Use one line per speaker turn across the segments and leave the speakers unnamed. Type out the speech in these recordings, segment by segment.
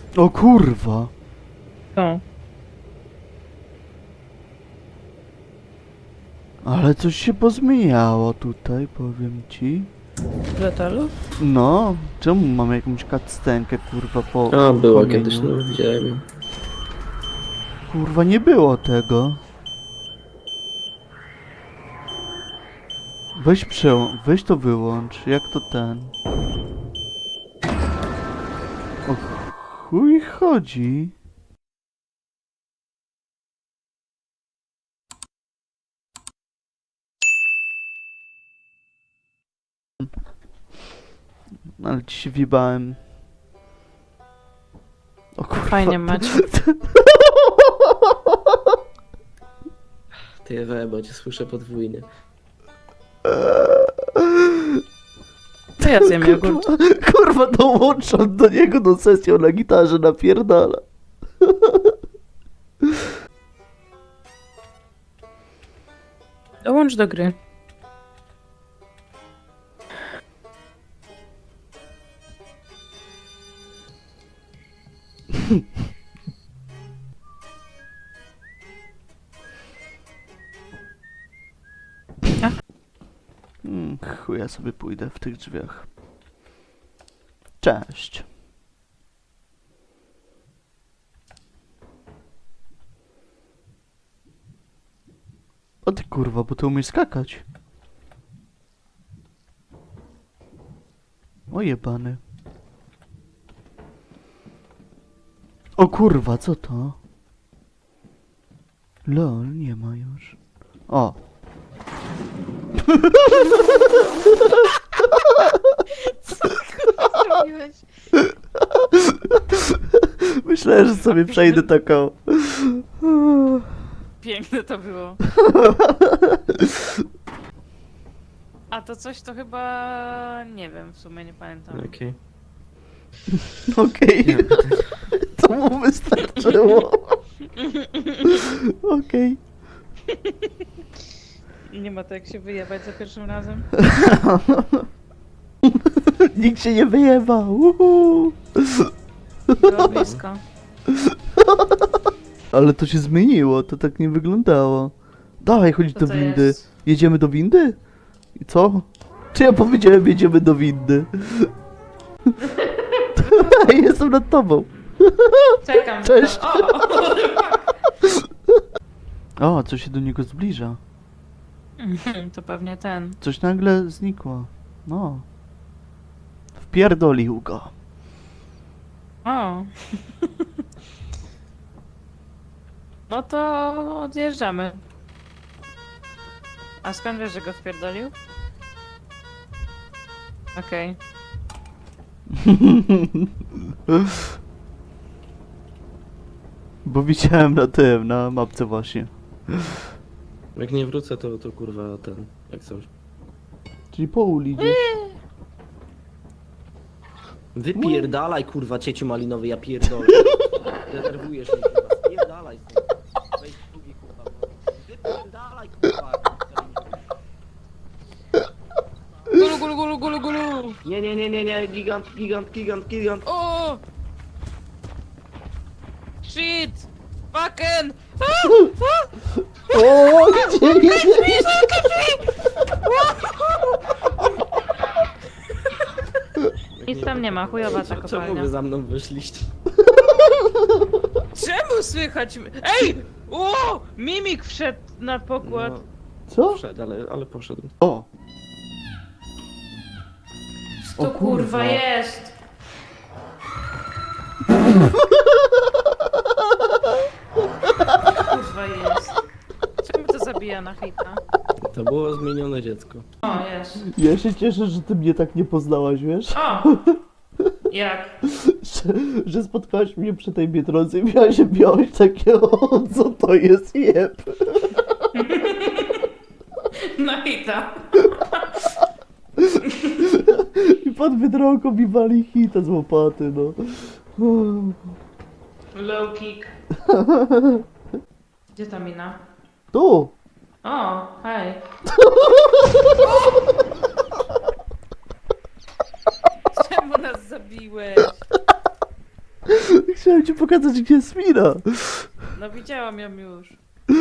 O kurwa.
To.
Ale coś się pozmieniało tutaj, powiem ci.
W letalu?
No, czemu mamy jakąś cutscenkę, kurwa, po
A, była
kamieniu?
kiedyś, no widziałem ją.
Kurwa, nie było tego. Weź to wyłącz, jak to ten. O chuj chodzi. Ale ci się wibałem. O kurwa.
Fajnie macie.
Ty bo cię słyszę podwójnie.
To ja zjem jogurt.
Kurwa, dołączam do niego do sesji na gitarze, napierdala.
Dołącz do gry.
Chuj, ja sobie pójdę w tych drzwiach. Cześć. O ty kurwa, bo ty umiesz skakać. O jebany. O kurwa, co to? Lol, nie ma już. O.
Zrobiłeś?
Myślałem, że sobie przejdę taką.
Piękne to było. A to coś to chyba... nie wiem, w sumie nie pamiętam.
Okej.
Okej. To mu wystarczyło. Okej.
Nie ma to jak się wyjebać za pierwszym razem.
Nikt się nie wyjeba. Uhu.
Było blisko.
Ale to się zmieniło, to tak nie wyglądało. Dawaj, chodź
Co
do
to
windy.
jest?
Jedziemy do windy? I co? Czy ja powiedziałem, jedziemy do windy? Jestem nad tobą.
Czekam.
Cześć.
O!
O, coś się do niego zbliża.
To pewnie ten.
Coś nagle znikło. No. Wpierdolił go.
O! No to odjeżdżamy. A skąd wiesz, że go wpierdolił? Okej.
Bo widziałem na tym, na mapce właśnie.
Jak nie wrócę, to kurwa ten, jak coś.
Czyli po ulicy.
Wypierdalaj kurwa cieciu malinowy, ja pierdolę. Denerwujesz mnie kurwa, spierdalaj stąd. Wejdź w drugi kurwa. Wypierdalaj kurwa.
Gulu, gulu, gulu, gulu, gulu!
Nie, gigant.
O! Shit! Fucking!
O, gdzie?
Nic tam nie ma, chujowa ta
Czemu
kopalnia.
wy za mną wyszliście?
Czemu słychać? Ej! O! Mimik wszedł na pokład.
No,
Co?
wszedł, ale poszedł.
O!
Co
o
to
kurwa.
kurwa jest? Kurwa jest. Czemu to zabija na hita?
To było zmienione dziecko.
O, jest.
Ja się cieszę, że ty mnie tak nie poznałaś, wiesz?
O! Jak?
Że spotkałaś mnie przy tej Biedronce i miałeś takie, o, co to jest jeb?
Na hita.
I pod Biedronką mi wali hita z łopaty, no.
Low kick. Gdzie ta mina?
Tu!
O, hej. Czemu nas zabiłeś?
Chciałem ci pokazać, gdzie jest mina.
No widziałam ją już.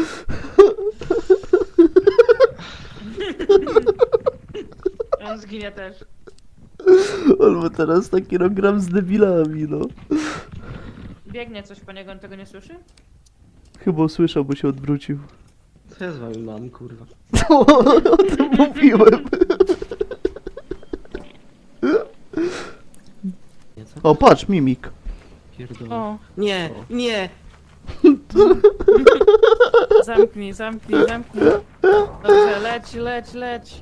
On zginie też.
On ma teraz taki kilogram z debilami, no.
Biegnie coś po niego, on tego nie słyszy?
Chyba usłyszał, bo się odwrócił.
Co ja z wami mam, kurwa?
O tym mówiłem.
Nie, co?
O, patrz, mimik.
Pierdolę.
O,
Nie, nie!
zamknij. Dobrze, leć.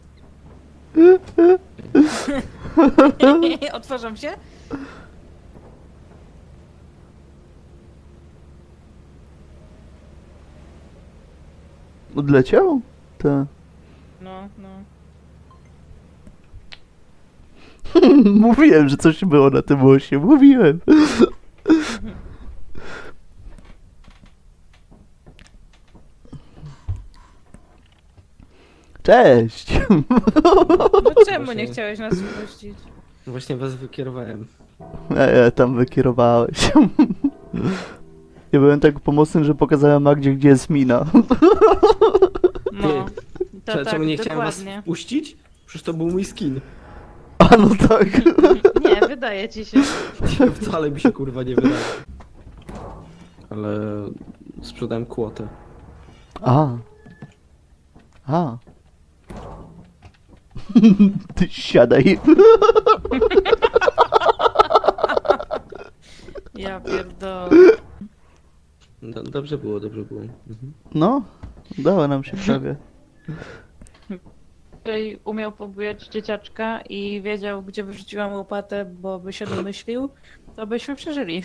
Otworzą się?
Odleciał? Tak.
No.
Mówiłem, że coś było na tym osie. Mówiłem. Cześć.
No czemu nie chciałeś nas wpuścić?
Właśnie was wykierowałem.
Tam wykierowałeś. Ja byłem tak pomocny, że pokazałem Magdzie, gdzie jest mina.
No. To tak,
Czemu nie chciałem was
dokładnie.
wpuścić? Przecież to był mój skin.
A no tak.
Nie, wydaje ci się.
Wcale mi się kurwa nie wydaje. Ale sprzedałem kłotę.
A. Ty siadaj.
Ja pierdolę.
Dobrze było. Mhm.
No, udało nam się prawie.
Który umiał pobujać dzieciaczka i wiedział, gdzie wyrzuciłam łopatę, bo by się domyślił, to byśmy przeżyli.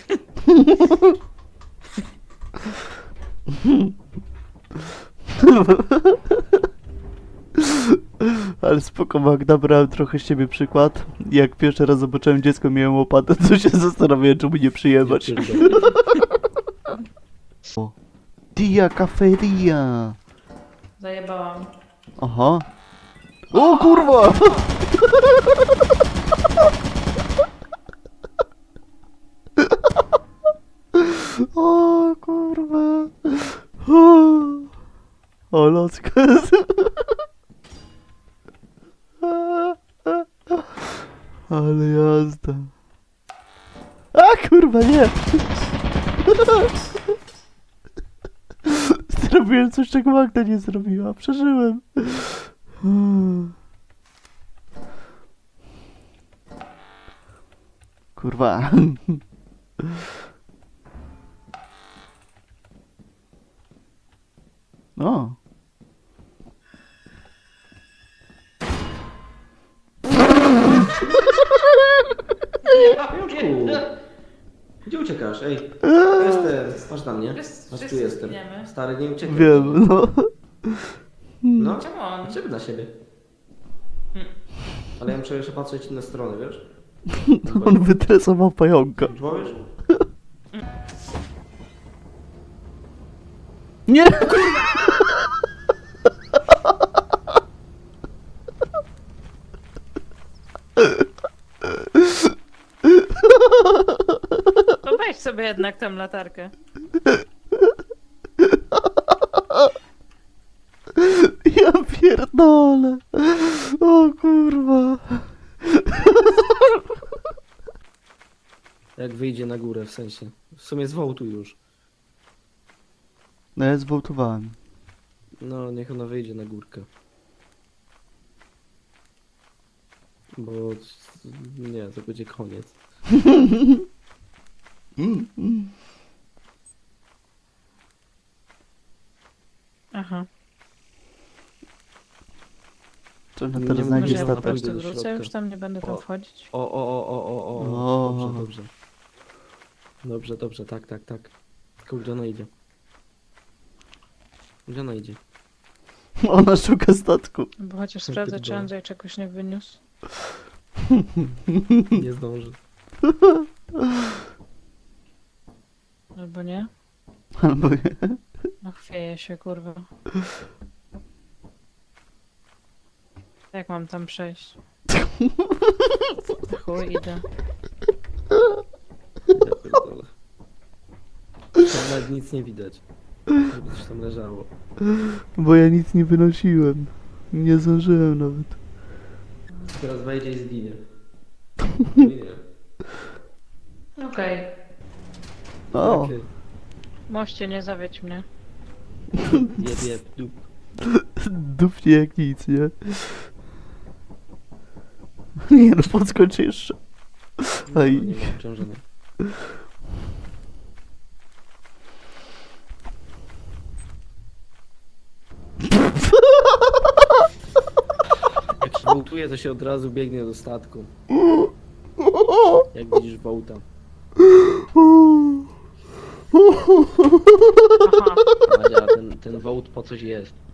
Ale spoko, Magda, brałem trochę z ciebie przykład. Jak pierwszy raz zobaczyłem dziecko, miałem łopatę, to się zastanawiałem, czemu nie przyjebać.
Ja pierdolę.
Dia Cafeteria.
Zajebałam.
Aha. O kurwa! O kurwa! O locka. Ale jazda. A kurwa nie! Zrobiłem coś, czego Magda nie zrobiła. Przeżyłem. Kurwa. No.
Pajączku! Gdzie uciekasz? Ej, jestem. Patrz na mnie. Patrz, tu jestem.
zginiemy.
Stary, nie uciekaj.
Wiem, no.
No,
Czemu on?
czego na siebie? Ale ja muszę jeszcze patrzeć na stronę, wiesz?
On wytresował pająka.
Człowiesz?
Nie!
To weź sobie jednak tę latarkę.
Ja pierdolę. O kurwa.
Jak wyjdzie na górę, w sensie. W sumie zwołtuj już.
No ja zwołtowałem.
No, niech ona wyjdzie na górkę. Bo... Nie, to będzie koniec.
Aha.
To ona
Nie
teraz
mogę,
znajdzie
Może ja po
statek.
statek.
prostu
Do
wrócę,
środka.
już tam nie będę tam
O.
wchodzić.
O.
O.
Dobrze, tak. Tylko gdzie ona idzie? Gdzie ona idzie?
Ona szuka statku.
Bo chociaż
Ty
sprawdzę, czy
pierdolę.
Andrzej czegoś nie wyniósł.
Nie zdąży.
Albo nie.
Albo nie.
No chwieje się, kurwa. Jak mam tam przejść? Chuj, idę.
Ja pierdolę. Nawet nic nie widać. Żeby coś tam leżało.
Bo ja nic nie wynosiłem. Nie zdążyłem nawet.
Teraz wejdzie i zginie. Nie.
Okej.
O,
Okej.
Moście, nie zawiedź mnie.
Jeb, dup.
dupnie jak nic, nie? Nie no, podskocz jeszcze.
No,
Aj.
nie ma obciążenia. Jak się wołtuje, to się od razu biegnie do statku. Jak widzisz wołta.
Aha.
Madzia, ten wołt po coś jest.